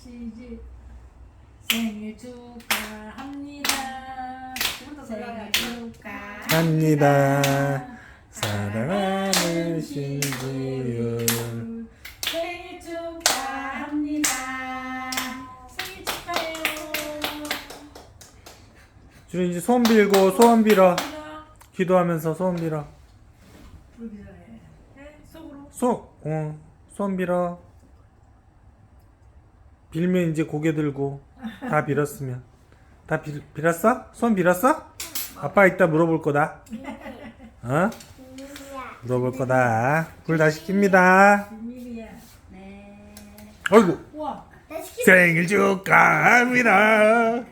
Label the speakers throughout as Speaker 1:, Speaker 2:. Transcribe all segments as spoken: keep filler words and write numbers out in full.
Speaker 1: 시지 생일 축하합니다. 생일 축하합니다.
Speaker 2: 합니다. 사랑하는 신지유.
Speaker 1: 생일 축하합니다. 생일 축하해요.
Speaker 2: 주로 이제 소원 빌고 소원 빌어. 기도하면서 소원 빌어.
Speaker 1: 불비전에 속으로.
Speaker 2: 소, 어, 소원 빌어. 빌면 이제 고개 들고 다 빌었으면 다 빌, 빌었어? 소원 빌었어? 아빠 이따 물어볼 거다. 어? 물어볼 거다. 불 다시 킵니다.
Speaker 1: 비밀이야. 네.
Speaker 2: 어이구.
Speaker 1: 우와.
Speaker 2: 생일 축하합니다.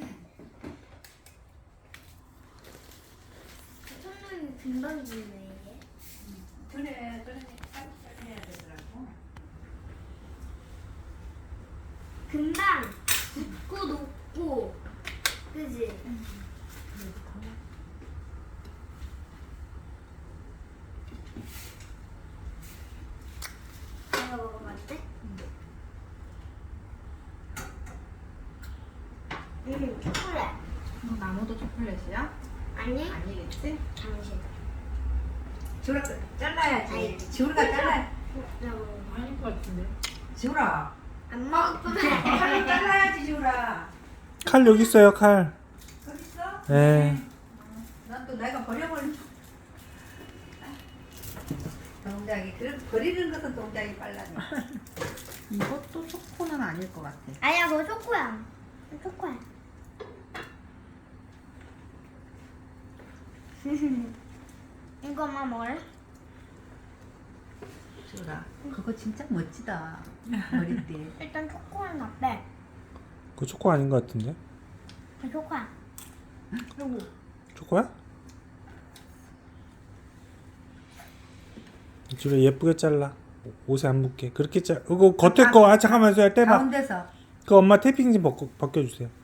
Speaker 3: 손님이 금방 지네 이게.
Speaker 1: 그래, 그래. 빨리 해야 되더라고.
Speaker 3: 금방 붓고 녹고, 그지? 내가 먹어봤대? 응, 초콜릿.
Speaker 1: 나무도 초콜릿이야?
Speaker 3: 아니?
Speaker 1: 아니겠지?
Speaker 3: 당신.
Speaker 1: 지우라 잘라야지. 지우라가 잘라.
Speaker 3: 나 먹어.
Speaker 1: 아닐 것 같은데. 지우라.
Speaker 3: 안 먹을 거면
Speaker 1: 칼로 잘라야지 지우라.
Speaker 2: 칼 여기 있어요, 칼.
Speaker 1: 거기 있어?
Speaker 2: 네.
Speaker 1: 난 또 내가 버려버린 동작이 그 버리는 것은 동작이 빨라져.
Speaker 4: 이것도 초코는 아닐 것 같아.
Speaker 3: 아니야, 그거 초코야. 초코야. 이거만 먹을래?
Speaker 4: 지우라, 그거 진짜 멋지다. 머리띠.
Speaker 3: 일단 초코는 어때?
Speaker 2: 그거 초코 아닌 것 같은데?
Speaker 3: 그 초코야.
Speaker 2: 초코야? 주로 예쁘게 잘라. 옷에 안 묻게. 그렇게 잘. 그거 겉에 거 아 잠깐만 요 떼봐.
Speaker 4: 가운데서
Speaker 2: 그 엄마 테이핑 좀 벗겨, 벗겨주세요.